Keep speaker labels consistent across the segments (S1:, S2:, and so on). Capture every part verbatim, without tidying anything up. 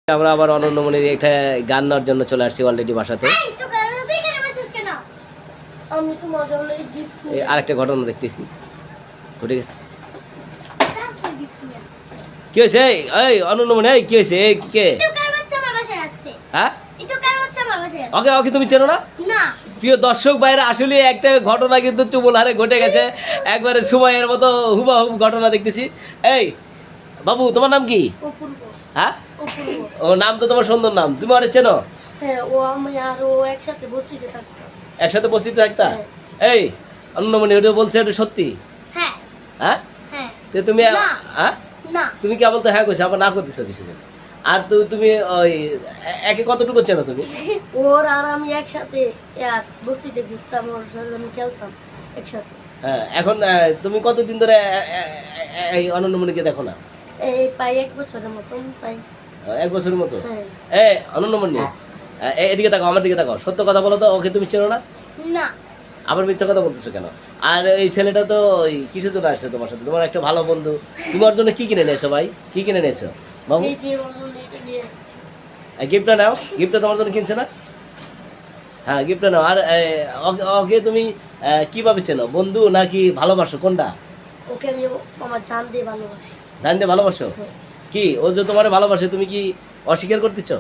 S1: আমরা আবার অনন্যমণির একটা গান নেওয়ার জন্য চলে আসছি অলরেডি বাসাতে। আরেকটা ঘটনা দেখতেছি ঘটে গেছে। কি হয়েছে এই অনন্যমণি, এই কি হয়েছে? এই কে? হ্যাঁ ওকে ওকে তুমি চেনো না? প্রিয় দর্শক ভাইরা, আসলে একটা ঘটনা কিন্তু চুবুল হারে ঘটে গেছে, একবারে সময়ের মতো হুবাহুব ঘটনা দেখতেছি। এই বাবু, তোমার নাম কি? হ্যাঁ, ও নাম তো তোমার সুন্দর নাম, তুমি আরে চেনো?
S2: হ্যাঁ, ও আমি আর ও একসাথে বস্তিতে থাকতাম।
S1: একসাথে বস্তিতে থাকতা? এই অনন্যমণি, ওটা বলছে এটা সত্যি?
S2: হ্যাঁ
S1: হ্যাঁ
S2: হ্যাঁ।
S1: তো তুমি হ্যাঁ
S2: না,
S1: তুমি কেবল তো হ্যাঁ কইছো, আবার না করতেছো কিছু জন। আর তো তুমি ওই একে কতটুকু চেনো তুমি?
S2: ওর আর আমি একসাথে এক বস্তিতে ঘুরতাম, ওর সাথে আমি খেলতাম একসাথে।
S1: হ্যাঁ, এখন তুমি কতদিন ধরে এই অনন্যমণিকে দেখো না?
S2: এই প্রায় এক বছরের মতন পাই।
S1: এক বছরের মতো?
S2: হ্যাঁ।
S1: এই অনন্যমণি, এদিকে তাকাও, আমার দিকে তাকাও, সত্য কথা বলো তো, ওকে তুমি চেনো না?
S2: না।
S1: আবার মিথ্যা কথা বলতেছো কেন? আর এই ছেলেটা তো ওই কিসের জন্য আসছে তোমার সাথে? তোমার একটা ভালো বন্ধু, তোমার জন্য কি কিনে নিয়েছো ভাই? কি কিনে নিয়েছো বাবু?
S2: এই যে বলুন, এটা নিয়ে আসছি।
S1: গিফটটা নাও, গিফটটা তোমার জন্য কিনছে না? হ্যাঁ, গিফটটা নাও। আর ওকে তুমি কিভাবে চেনো, বন্ধু নাকি ভালোবাসো, কোনটা?
S2: ওকে আমি আমার জান দিয়ে ভালোবাসি।
S1: জান দিয়ে ভালোবাসো? কি ও যে তোমার ভালোবাসে, তুমি কি অস্বীকার করতেছো?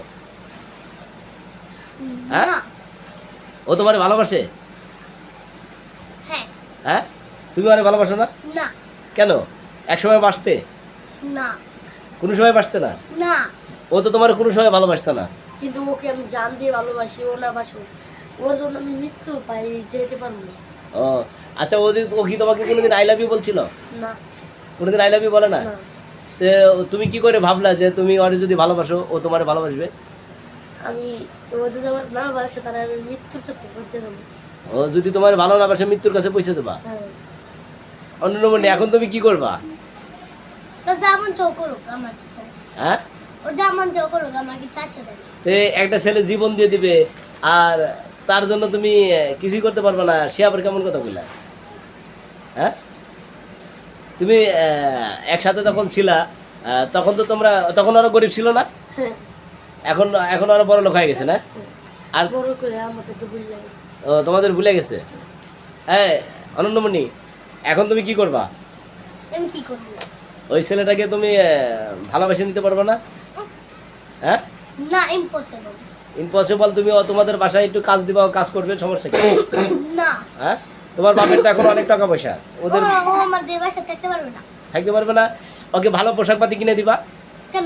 S1: হ্যাঁ, ও তোমার ভালোবাসে?
S2: হ্যাঁ।
S1: হ্যাঁ, তুমি আরে ভালোবাসো না?
S2: না।
S1: কেন? এক সময় বাসতে?
S2: না।
S1: কোনো সময় বাসতে না?
S2: না।
S1: ও তো তোমার কোনো সময় ভালোবাসতে না।
S2: কিন্তু ওকে আমি জান দিয়ে ভালোবাসি, ও না বাসো, ওর জন্য আমি মৃত্যু পাই যেতে পারবো না।
S1: ও আচ্ছা, ও যে ও কি তোমাকে কোনোদিন আই লাভ ইউ বলছিল?
S2: না।
S1: কোনোদিন আই লাভ ইউ বলে না?
S2: না।
S1: তো তুমি কি করে ভাবলা যে তুমি ওরে যদি ভালোবাসো ও তোমার ভালোবাসবে?
S2: আমি ও যদি আমার না বাসে তাহলে আমি মৃত্যুর কাছে করতে যাবো।
S1: ও যদি তোমার ভালো না বাসে মৃত্যুর কাছে পৌঁছে দেবা?
S2: হ্যাঁ।
S1: অনন্যমণি, এখন তুমি কি করবা?
S2: তো যেমন চৌ করুক, আমার কি চাই?
S1: হ্যাঁ,
S2: ও যেমন চৌ করুক, আমার কি চাই সেটা।
S1: তো একটা ছেলে জীবন দিয়ে দিবে আর তার জন্য তুমি কিছুই করতে পারবে না, সে আবার কেমন কথা বললা? হ্যাঁ, তুমি একসাথে যখন ছিলা তখন তো তোমরা, তখন আরো গরিব ছিল না?
S2: হ্যাঁ।
S1: এখন এখন আরো বড় লোক হয়ে গেছে না? আর
S2: বড় করে আমাদের তো ভুলে গেছে।
S1: ও তোমাদের ভুলে গেছে? হ্যাঁ অনন্যমণি, এখন তুমি কি করবা?
S2: আমি কি করব?
S1: ওই ছেলেটাকে তুমি ভালোবেসে নিতে পারবে না? হ্যাঁ
S2: না, ইম্পসিবল।
S1: ইম্পসিবল। তুমি তোমাদের বাসায় একটু কাজ দিবা, কাজ করবে, সমস্যা কি?
S2: না।
S1: হ্যাঁ, তোমার বাপের তো এখন অনেক টাকা পয়সা, ওদের
S2: ও আমাদের বাসায় থাকতে পারবে না।
S1: থাকতে পারবে না? ওকে ভালো পোশাক পাতি কিনে দিবা।
S2: কেন?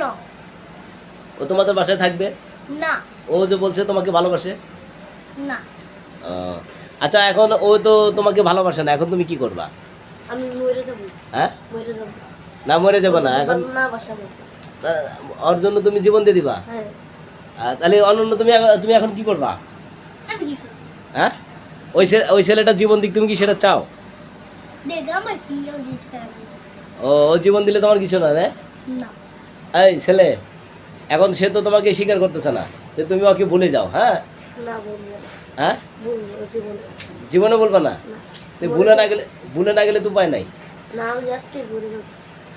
S1: ও তোমাদের বাসায় থাকবে
S2: না।
S1: ও যে বলছে তোমাকে ভালোবাসে।
S2: না।
S1: ও আচ্ছা, এখন ও তো তোমাকে ভালোবাসে না, এখন তুমি কি করবা?
S2: আমি মরে যাব।
S1: হ্যাঁ,
S2: মরে যাব।
S1: না মরে যাবে না, এখন
S2: না বাসাবো।
S1: ওর জন্য তুমি জীবন দিয়ে দিবা?
S2: হ্যাঁ।
S1: তাহলে অনন্য তুমি তুমি এখন কি করবা?
S2: আমি কি করব?
S1: হ্যাঁ, ওই ওই ছেলেটা জীবন দিক, তুমি কি সেটা চাও?
S2: দেখ আমার কি জিনিস খারাপ।
S1: ও ও জীবন দিলে তোমার কিছু না?
S2: না।
S1: এই ছেলে, এখন সে তো তোমাকে স্বীকার করতেছে না, যে তুমি ওকে ভুলে যাও। হ্যাঁ
S2: না বলবো।
S1: হ্যাঁ,
S2: বলবো জীবনে।
S1: জীবনে বলবা না? তুই ভুলে না গেলে, ভুলে না গেলে তো উপায় নাই।
S2: না, আমি আজকে ভুলে যাব।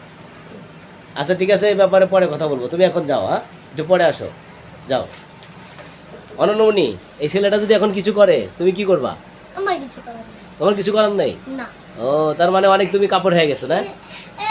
S1: আচ্ছা ঠিক আছে, এই ব্যাপারে পরে কথা বলবো, তুমি এখন যাও। হ্যাঁ, একটু পরে আসো, যাও। অনন্যমণি, এই ছেলেটা যদি এখন কিছু করে তুমি কি করবা?
S2: আমার কিছু করার নেই।
S1: তোমার কিছু করার নেই?
S2: না।
S1: ও তার মানে অনেক তুমি কাপড় হয়ে গেছো না?